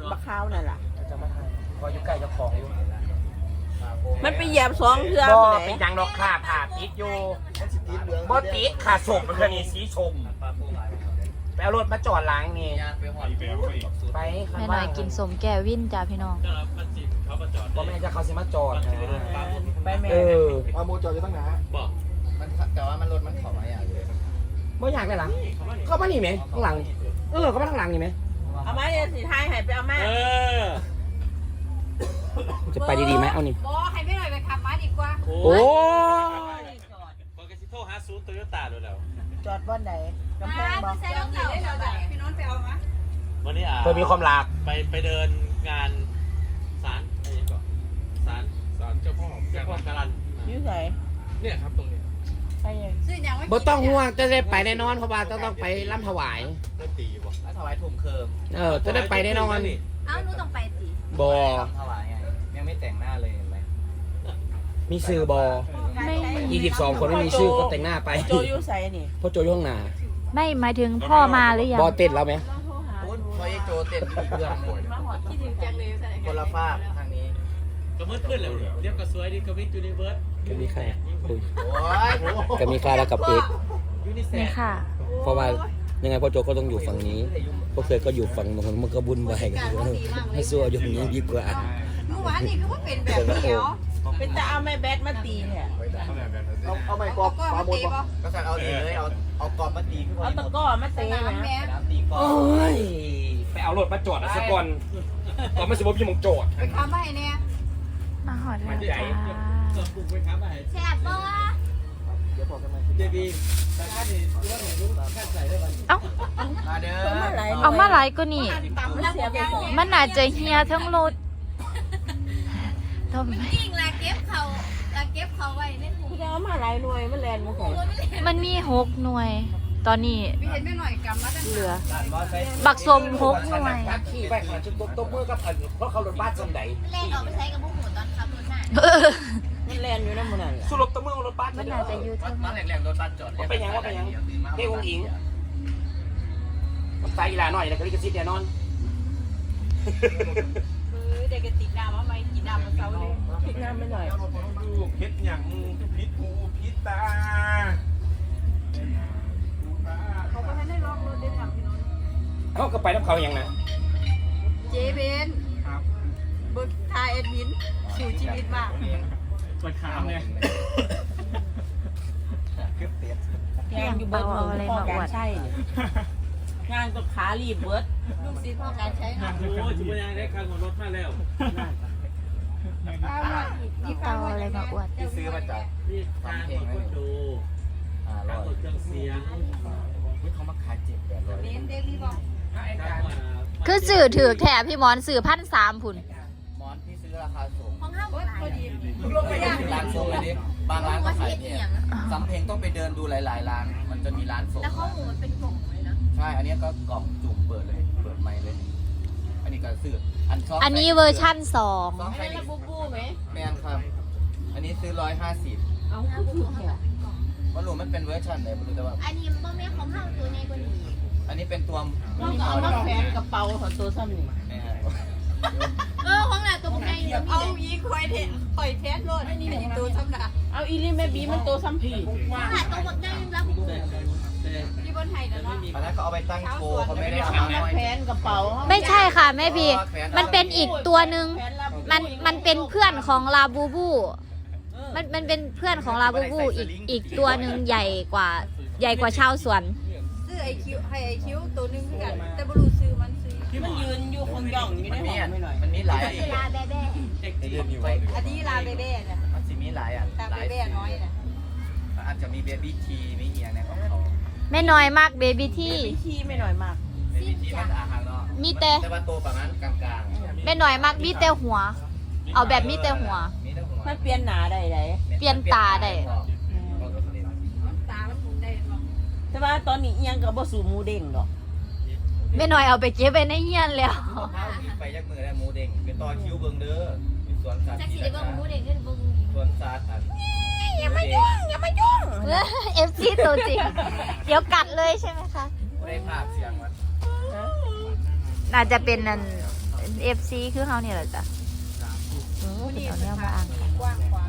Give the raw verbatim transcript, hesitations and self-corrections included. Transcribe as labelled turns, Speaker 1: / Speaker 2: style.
Speaker 1: บักข้าวนั่นแหละ
Speaker 2: จะมาทานพออยู่ใกล้จะของอยู่
Speaker 1: มันไปเหยียบสองเทือ
Speaker 2: บ่
Speaker 1: ไหน
Speaker 2: เป็นยังดอกค่ะผ่าติดอยู่บ่ติดค่ะศพมันคือนี่สีชมไปเอารถมาจอดล้างนี่ไป
Speaker 3: แม่หน่อยกินสมแก้ววินจ้าพี่น้อง
Speaker 2: บ่แม่จะเขาสิมาจอดนะ
Speaker 1: ไปแม่
Speaker 2: เออ
Speaker 4: มาโมจอดอยู่ตั้งนานบอกมันแต่ว่ามันรถมันขอมาอย่างเลย
Speaker 2: บ่อยากได้หลังเข้ามานี่ไหมข้างหลังเออเข้ามาข้างหลังนี่ไหม
Speaker 1: เอามาเนี่ยสีไทยหายไปเอามา
Speaker 2: จะไปดีๆไหมเอานี่
Speaker 5: บอให้ไม่หน่อยไปขับมาดีกว่า
Speaker 2: โอ้
Speaker 6: ยบอยกสิโทรหาซูนโตโยต้าด้วยแล้ว
Speaker 1: จอดบ้านไหนกำแพงบอก
Speaker 5: ใส่รองเท้าได้เราพี่น้องไปเอามา
Speaker 6: วันนี้อ่ะ
Speaker 2: เธอมีความรัก
Speaker 6: ไปไปเดินงานศาลอะไรอย่างเงี้ยศาลศาลเจ้าพ่อเจ้าพ่อการัน
Speaker 1: ยืดไหน
Speaker 6: เนี่ยครับตรงนี้
Speaker 1: ไปยัง
Speaker 2: บ่ต้องห่วงจะได้ไปแน่นอนเพราะว่าจะต้องไปร่ำถวาย
Speaker 6: ได้ตีบ่
Speaker 4: แล้วถวายถุงเคิม
Speaker 2: เออจะได้ไปแน่นอน
Speaker 5: เอ้าหนูต้องไปสิ
Speaker 2: บ่
Speaker 4: ถวายไงยังไม่แต่งหน้าเลยเห็นไหม
Speaker 2: มีซื้อบอยี่สิบสองคนไม่มีชื่อก็แต่งหน้าไป
Speaker 1: โจยูใส่นี่
Speaker 2: พ่อโจยห้องหนา
Speaker 3: ไม่หมายถึงพ่อมาหรือยัง
Speaker 2: บอเต้นแล้วไหม
Speaker 4: พูดพอยังโจเต้นอยู่เพื่อน
Speaker 5: คิดถึงจังเลย
Speaker 4: คนละภาคทางนี้
Speaker 6: ก็มืดขึ้นแล้วเรียกก็สวยดีก็วิทยูนิเวิร์ส
Speaker 2: ก็มีใครคุย
Speaker 4: โอ้ย
Speaker 2: ก็มีใครแล้วกับเอก
Speaker 3: นี่ค่ะ
Speaker 2: เพราะว่ายังไงพ่อโจก็ต้องอยู่ฝั่งนี้พวกเคยก็อยู่ฝั่งนู้นมันก็บุญไปกันให้สู้อยู่ตรงนี้ดีกว่า
Speaker 5: เมื่อวานนี่ก็ว่าเป็นแบบเดียว
Speaker 1: เป็นจะเอาแม่แบดมาตีเนี่ย
Speaker 4: เอาเอาไม่กรอบปลาหมดปะก็สั่งเอาดีเลยเอาเอากรอบมาตีขึ้นมา
Speaker 1: เอาตะก้อมาตีนะ
Speaker 4: ตีกรอบ
Speaker 2: โอ้ยไปเอารถมาจอดสักก่อนก่อนไม่สิบพี่มงจอด
Speaker 5: ไปค้ำไปเนี่ย
Speaker 3: มาหอดแล้วจ้า
Speaker 5: แซ่บปะ
Speaker 4: เจบี
Speaker 3: เอ้า
Speaker 4: มาเด้อ
Speaker 3: เอามาหลายก็นี่มันอาจจะเฮียทั้งรถทำไม
Speaker 5: จริงละเก็บเขาละเก็บเขาไว้ในถุง
Speaker 1: เอามาหลายหน่วยมันแลนมาใส่
Speaker 3: มันมีหกหน่วย ตอนนี้
Speaker 5: พี่เห็นไม่หน่อยกำมาตั้ง
Speaker 3: เหลือบักสมหกหน่วย
Speaker 2: ขี่ไปขนาดจุดตบมือกับอันเพราะเขารถบ้านสมใด
Speaker 5: แล่นออกไปใช้กับพวกหมูตอนขับรถน่ะ
Speaker 1: มันแลนอยู่นั่นมันนั่น
Speaker 2: สุรบตบมือรถบ้าน
Speaker 3: มันอาจจะยืดทั้ง
Speaker 4: มาแหลกๆรถบัสจอด
Speaker 2: ว่าไปยังว่าไปยังเฮ้ยองอิงมันตายอีหลาหน่อยแล้วก็ลิขสิทธิ์แน่นอน
Speaker 5: เด็กติดน้ำว่าไม่กินน้ำมันเศร้าเลย
Speaker 1: พิดน้ำไม่หน่อย
Speaker 6: พิษอย่างพิษหูพิษตา
Speaker 5: เขาก็ให้ได้ลองรถได้ทำพี่น้อง
Speaker 2: เขาก็ไปน้ำเขาอย่างนะ
Speaker 5: เจเบนบึกทายเอ็ดวินสู่ชีวิตมาก
Speaker 6: ปวดขาเนี่ย
Speaker 1: งานอยู่เบิร์ดอะไรมาอวดใช่งานก็ขาลีบเบิร์ด
Speaker 5: ลูกศิษย์พ่อการใช้งาน
Speaker 6: โอ้ยจุ๊บยังได้คันของรถมาแล้ว
Speaker 3: เอาอะไรมาอวด
Speaker 4: ที่ซื้อมาจาก
Speaker 6: นี่ทางของคนดูทางของเครื่องเสียง
Speaker 4: เขามาขายเจ็บแบบเลย
Speaker 5: เบนเดลี่บอก
Speaker 3: คือสื่อถือแถบพี่มอนสื่อพันสามผุน
Speaker 4: มอนที่ซื้อราคาสูง
Speaker 5: ของห้าบาทพอดี
Speaker 4: ร้านโซ่เลยดิบางร้านก็ขายเนี่ยสำเพ็งต้องไปเดินดูหลายๆร้านมันจะมีร้านโซ่
Speaker 5: แล้วข้อมูลมันเป็นกล่องเลยนะ
Speaker 4: ใช่อันนี้ก็กล่องจุ่มเปิดเลยเปิดไมค์เลยอันนี้ก็ซื้ออันชอบ
Speaker 3: อันนี้เวอร์ชั่นสอง
Speaker 5: ไม่ระบุบูไหม
Speaker 4: แมนครับอันนี้ซื้อร้อยห้าสิบ
Speaker 1: เอาคือแค่
Speaker 4: ว่ารู้มันเป็นเวอร์ชันไหนไม่รู้แต่ว่า
Speaker 5: อันนี้บ่แม่ของห้างตัวใหญ่กว่านี้
Speaker 4: อันนี้เป็นตัว
Speaker 1: ต้องเอามาแขวนกระเป๋าของตัวซ้ำนี่
Speaker 5: เออของหน้าตัวใหญ่เอาอีคอยเทคอยเทสโลดอันนี้เป็นตัวซ้ำหน้า
Speaker 1: เอาอีลี่แม่บีมันตัวซ้ำผี
Speaker 5: ขนาดตัวใหญ่รับที่บนไทยนะเนาะ
Speaker 4: อันนั้นเขาเอาไปตั้งโชว์เขาไม่ได้เอา
Speaker 1: มาแขวนกระเป๋า
Speaker 3: ไม่ใช่ค่ะแม่บีมันเป็นอีกตัวหนึ่งมันมันเป็นเพื่อนของลาบูบูมันมันเป็นเพื่อนของลาบูบูอีกอีกตัวหนึ่งใหญ่กว่าใหญ่กว่าชาวสวน
Speaker 5: ซื้อไอคิวให้ไอคิวตัวนึงคือกันแต่บรูซื้อมันซื้อ
Speaker 1: มันยืนอยู่คนย่องอยู่ในห้องไม่หน่อย
Speaker 4: มันมีหลาย
Speaker 5: ลาแบ้ๆอันนี้ลาแบ้ๆนะ
Speaker 4: มันจะมีหลายอ่ะ
Speaker 5: ลาแบ้ๆน้อยนะ
Speaker 4: อาจจะมีเบบี้ทีมีเอียงในของเขา
Speaker 3: ไม่น้อยมากเบบี้ที่
Speaker 1: ที่ไม่น้อยมาก
Speaker 4: เบบี้ทีมันอาหารเนาะ
Speaker 3: มีแต่
Speaker 4: แต่ว่าตัวประมาณกลาง
Speaker 3: ๆไม่น้อยมากมีแต่หัวเอาแบบมีแต่หัว
Speaker 1: มันเปลี่ยนหนาได้ไหน
Speaker 3: เปลี่ยนตาได้
Speaker 5: ตามันคงได้
Speaker 1: แต่ว่าตอนนี้ยังกับบ่สูหมูเด้งดอก
Speaker 3: ไม่น้อยเอาไปเก็บไว้ในเฮียนแล้ว
Speaker 4: ไปยักมือได้หมูเด้งไปต่อคิวเบิ่งเด้อมีสวนสัตว์
Speaker 5: จักสิได้เบิ่งหมูเด้งขึ้นเบิ่ง
Speaker 4: สวนสัตว์อัน
Speaker 1: อย่ามายุ่งอย่ามายุ่ง
Speaker 3: เอฟซีตัวจริงเดี๋ยวกัดเลยใช่ไหมคะ
Speaker 4: ได้ภาพเสียงมัน
Speaker 3: น่าจะเป็นนั่นเอฟซีคือเฮาเนี่ยแหละจ้ะเออเป็นเอาแนวมาอ่านกัน
Speaker 5: กว้างขวาง